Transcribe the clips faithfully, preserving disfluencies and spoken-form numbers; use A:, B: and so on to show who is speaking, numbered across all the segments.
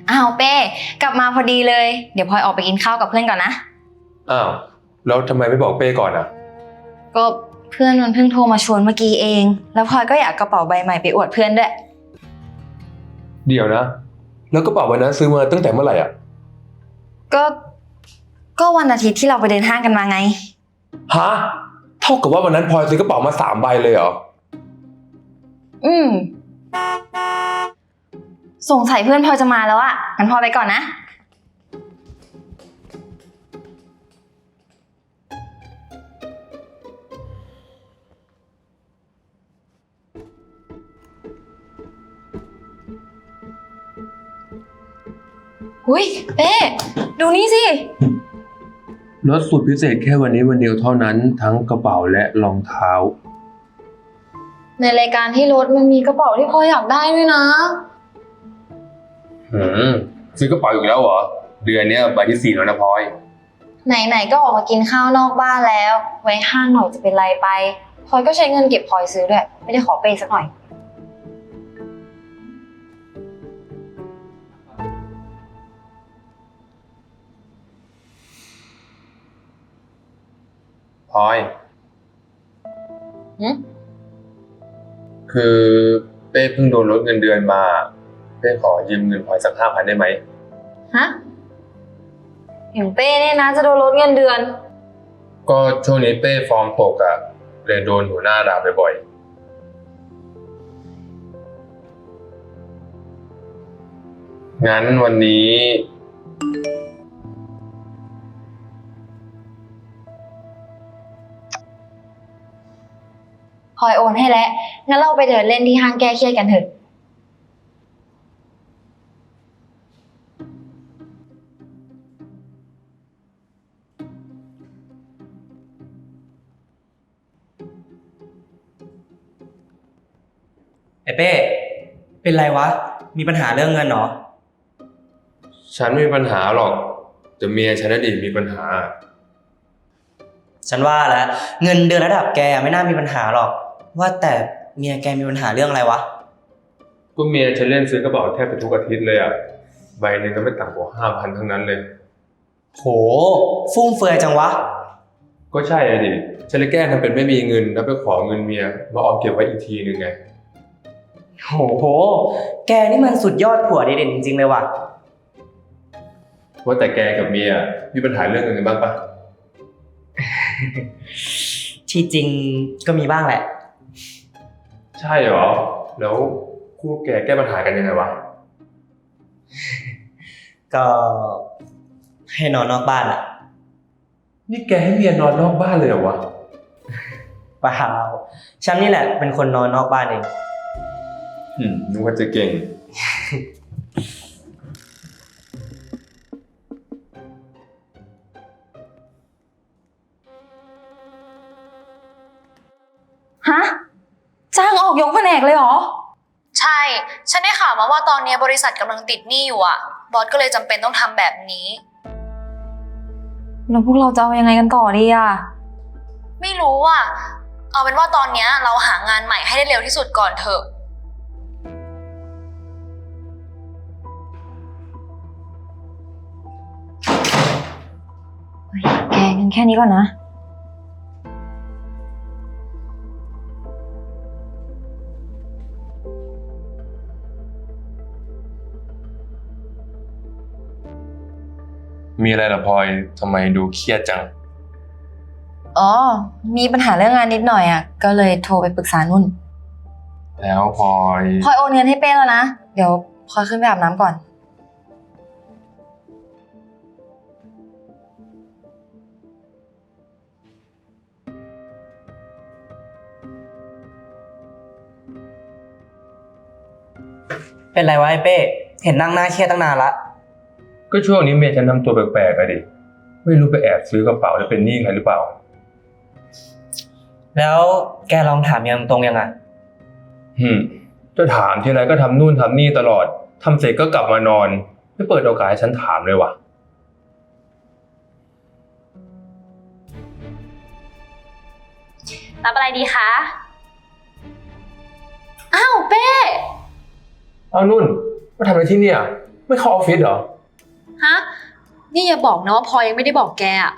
A: อ้าวเป้กลับมาพอดีเลยเดี๋ยวพลอยออกไปกินข้าวกับเพื่อนก่อนนะ
B: อ้าวแล้วทำไมไม่บอกเป้ก่อนอ่ะ
A: ก็เพื่อนมันเพิ่งโทรมาชวนเมื่อกี้เองแล้วพลอยก็อยากกระเป๋าใบใหม่ไปอวดเพื่อนด้วย
B: เดี๋ยวนะแล้วกระเป๋าใบนั้นซื้อมาตั้งแต่เมื่อไหร่อ่ะ
A: ก็ก็วันอาทิตย์ที่เราไปเดินห้างกันมาไง
B: ฮะเท่ากับว่าวันนั้นพลอยซื้อกระเป๋ามาสามใบเลยเหรอ
A: อืมสงสัยเพื่อนพลอยจะมาแล้วอะงั้นพลอยไปก่อนนะอุ้ยเป้ดูนี่สิ
B: ลดสุดพิเศษแค่วันนี้วันเดียวเท่านั้นทั้งกระเป๋าและรองเท้า
A: ในรายการที่รถมันมีกระเป๋าที่พลอยอยากได้ด้วยนะ
B: หืมซื้อกระเป๋าอีกแล้วเหรอเดือนนี้ใบที่สี่แล้วนะพลอย
A: ไหนๆก็ออกมากินข้าวนอกบ้านแล้วไว้ห้างหน่อยจะเป็นไรไปพลอยก็ใช้เงินเก็บพลอยซื้อด้วยไม่ได้ขอเปย์สักหน่อย
B: พลอย
A: หืม
B: คือเป้เพิ่งโดนลดเงินเดือนมาเป้ขอยืมเงินพลอยสักห้าพันได้ไหม
A: ฮะอย่างเป้เนี่ยนะจะโดนลดเงินเดือน
B: ก็ช่วงนี้เป้ฟอร์มตกอะเลยโดนหัวหน้าด่าบ่อยๆงั้นวันนี้
A: พลอยโอนให้แล้วงั้นเราไปเดินเล่นที่ห้างแก้เครียดกันเถอะ
C: ไอ้เป้เป็นไรวะมีปัญหาเรื่องเงินเหรอ
B: ฉันไม่มีปัญหาหรอกแต่เมียฉันน่ะดิมีปัญหา
C: ฉันว่าแล้วเงินเดือนระดับแกไม่น่ามีปัญหาหรอกว่าแต่เมียแกมีปัญหาเรื่องอะไรวะ
B: ก็เมียฉันเล่นซื้อกระเป๋าแทบจะทุกอาทิตย์เลยอ่ะใบหนึ่งก็ไม่ต่ำกว่าห้าพันทั้งนั้นเลย
C: โหฟุ่มเฟือยจังวะ
B: ก็ใช่อะดิฉันเลยแกล้งทำเป็นไม่มีเงินแล้วไปขอเงินเมียมาออมเก็บไว้อีกทีนึงไง
C: โหโหแกนี่มันสุดยอดผัวดีเด่นจริงๆเลยว่ะ
B: ว่าแต่แกกับเมียมีปัญหาเรื่องเงินกันบ้างปะ
C: ที่จริงก็มีบ้างแหละ
B: ใช่เหรอแล้วคู่แกแก้ปัญหากันยังไงวะ
C: ก็ให้นอนนอกบ้านอ่ะ
B: นี่แกให้เมียนอนนอกบ้านเลยเหรอวะ
C: เปล่าฉันนี่แหละเป็นคนนอนนอกบ้านเอง
B: อืมนึกว่าจะเก่ง
A: ฮะจ้างออกยกแผนกเลยเหรอ
D: ใช่ฉันได้ข่าวมาว่าตอนนี้บริษัทกำลังติดหนี้อยู่อ่ะบอสก็เลยจำเป็นต้องทำแบบนี้
A: แล้วพวกเราจะเอายังไงกันต่อดีอ่ะ
D: ไม่รู้อ่ะเอาเป็นว่าตอนนี้เราหางานใหม่ให้ได้เร็วที่สุดก่อนเถอะ
A: แกงั้นแค่นี้ก่อนนะ
B: มีอะไรล่ะพลอยทำไมดูเครียดจัง
A: อ๋อมีปัญหาเรื่องงานนิดหน่อยอ่ะก็เลยโทรไปปรึกษานุ่น
B: แล้วพลอย
A: พลอยโอนเงินให้เป้แล้วนะเดี๋ยวพลอยขึ้นไปอาบน้ำก่อน
C: เป็นไรวะไอ้เป้เห็นนั่งหน้าเครียดตั้งนานละ
B: ก็ช่วงนี้เมียฉันทำตัวแปลกๆอะดิไม่รู้ไปแอบซื้อกระเป๋าแล้วเป็นหนี้ใครหรือเปล่า
C: แล้วแกลองถามยังตรงยังไง
B: หืมจะถามทีไรก็ทำนู่นทำนี่ตลอดทำเสร็จก็กลับมานอนไม่เปิดโอกาสให้ฉันถามเลยวะ
D: รับอะไรดีคะอ้าวเป้
B: เอานุ่นมาทำอะไรที่เนี่ยไม่เข้าออฟฟิศเหรอ
D: ฮะ นี่อย่าบอกนะว่าพลอยยังไม่ได้บอกแกอะ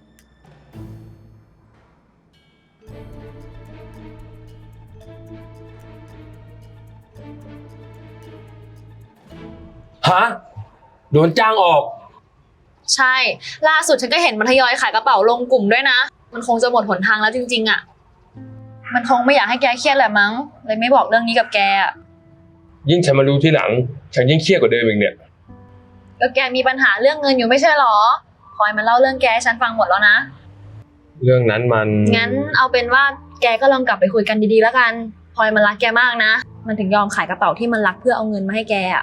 B: ฮะ โดนจ้างออก
D: ใช่ ล่าสุดฉันก็เห็นมันทยอยขายกระเป๋าลงกลุ่มด้วยนะ มันคงจะหมดหนทางแล้วจริงๆอะมันคงไม่อยากให้แกเครียดแหละมั้ง เลยไม่บอกเรื่องนี้กับแกอะ
B: ยิ่งฉันมารู้ที่หลัง ฉันยิ่งเครียดกว่าเดิมอีกเนี่ย
D: ก็แกมีปัญหาเรื่องเงินอยู่ไม่ใช่หรอพลอยมันเล่าเรื่องแกให้ฉันฟังหมดแล้วนะ
B: เรื่องนั้นมัน
D: งั้นเอาเป็นว่าแกก็ลองกลับไปคุยกันดีๆแล้วกันพลอยมันรักแกมากนะ มันถึงยอมขายกระเป๋าที่มันรักเพื่อเอาเงินมาให้แกอะ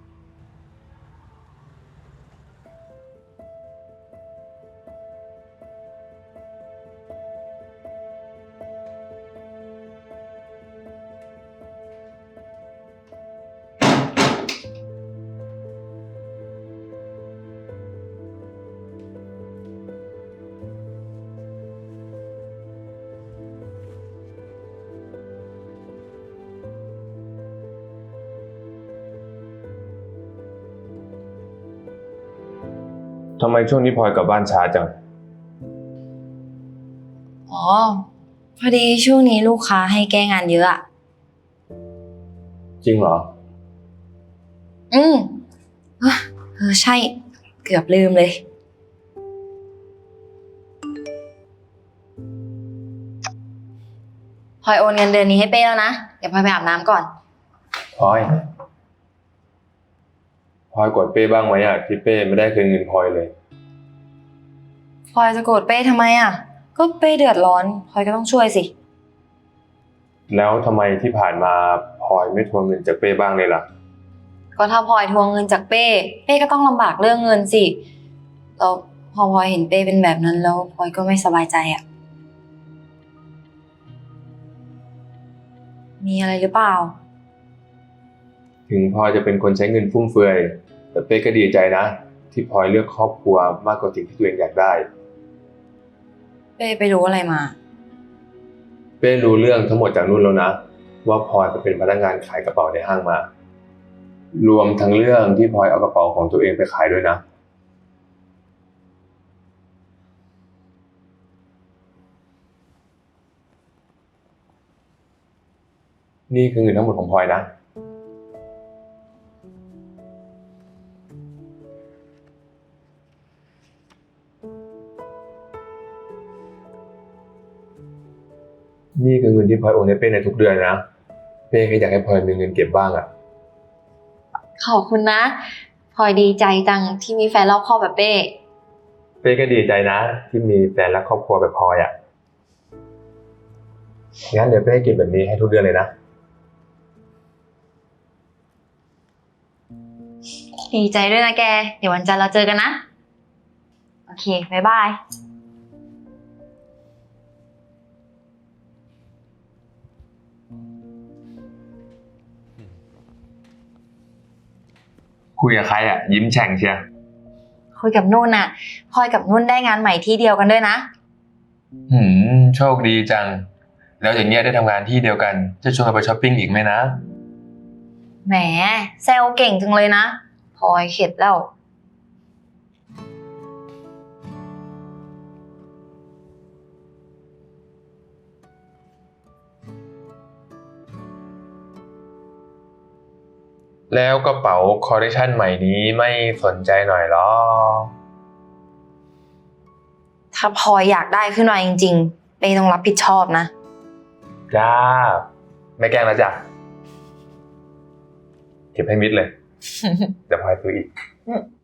B: ทำไมช่วงนี้พลอยกลับบ้านช้าจัง
A: อ๋อ พอดีช่วงนี้ลูกค้าให้แก้งานเยอะอะ
B: จริงเหรอ
A: อืมเอ้อเออใช่ เกือบลืมเลย พลอยโอนเงินเดือนนี้ให้เป้แล้วนะ เดี๋ยวพลอยไปอาบน้ำก่อน
B: พลอย พลอยกดเป้บ้างไหมอ่ะที่เป้ไม่ได้คืนเงินพลอยเลย
A: พลอยจะโกรธเป้ทำไมอ่ะ ก็เป้เดือดร้อน พลอยก็ต้องช่วยสิ
B: แล้วทำไมที่ผ่านมาพลอยไม่ทวงเงินจากเป้บ้างเลยล่ะ
A: ก็ถ้าพลอยทวงเงินจากเป้ เป้ก็ต้องลำบากเรื่องเงินสิแล้วพอพลอยเห็นเป้เป็นแบบนั้นแล้วพลอยก็ไม่สบายใจอ่ะ มีอะไรหรือเปล่า
B: ถึงพลอยจะเป็นคนใช้เงินฟุ่มเฟือย แต่เป้ก็ดีใจนะ ที่พลอยเลือกครอบครัวมากกว่าสิ่งที่ตัวเองอยากได้
A: เป้ไปรู้อะไรมา
B: เป้รู้เรื่องทั้งหมดจากนุ่นแล้วนะ ว่าพลอยไปเป็นพนักงานขายกระเป๋าในห้างมา รวมทั้งเรื่องที่พลอยเอากระเป๋าของตัวเองไปขายด้วยนะ นี่คือเงินทั้งหมดของพลอยนะ นี่คือเงินที่พลอยโอนให้เป้ในทุกเดือนนะ เป้ก็อยากให้พลอยมีเงินเก็บบ้างอ่ะ
A: ขอบคุณนะ พลอยดีใจจังที่มีแฟนรอบคอบแบบเป้
B: เป้ก็ดีใจนะ ที่มีแฟนและครอบครัวแบบพลอยอ่ะ งั้นเดี๋ยวเป้เก็บแบบนี้ให้ทุกเดือนเลยนะ
A: ดีใจด้วยนะแก เดี๋ยววันจันทร์เราเจอกันนะ โอเค บ๊ายบาย
B: คุยกับใครอ่ะ ยิ้มแฉ่งเชียร์
A: คุยกับนุ่นน่ะพลอยกับนุ่นได้งานใหม่ที่เดียวกันด้วยนะ
B: หืม โชคดีจัง แล้วอย่างเงี้ยได้ทำงานที่เดียวกัน จะชวนกันไปช้อปปิ้งอีกไหมนะ
A: แหมแซวเก่งจังเลยนะพลอยเข็ดแล้ว
B: แล้วกระเป๋าคอลเลคชันใหม่นี้ไม่สนใจหน่อยหรอ
A: ถ้าพลอยอยากได้ขึ้นมาจริงๆเป้ต้องรับผิดชอบนะ
B: จ้า ไม่แกล้งแล้วจ้ะ เก็บให้มิดเลย เดี๋ยวพลอยซื้ออีก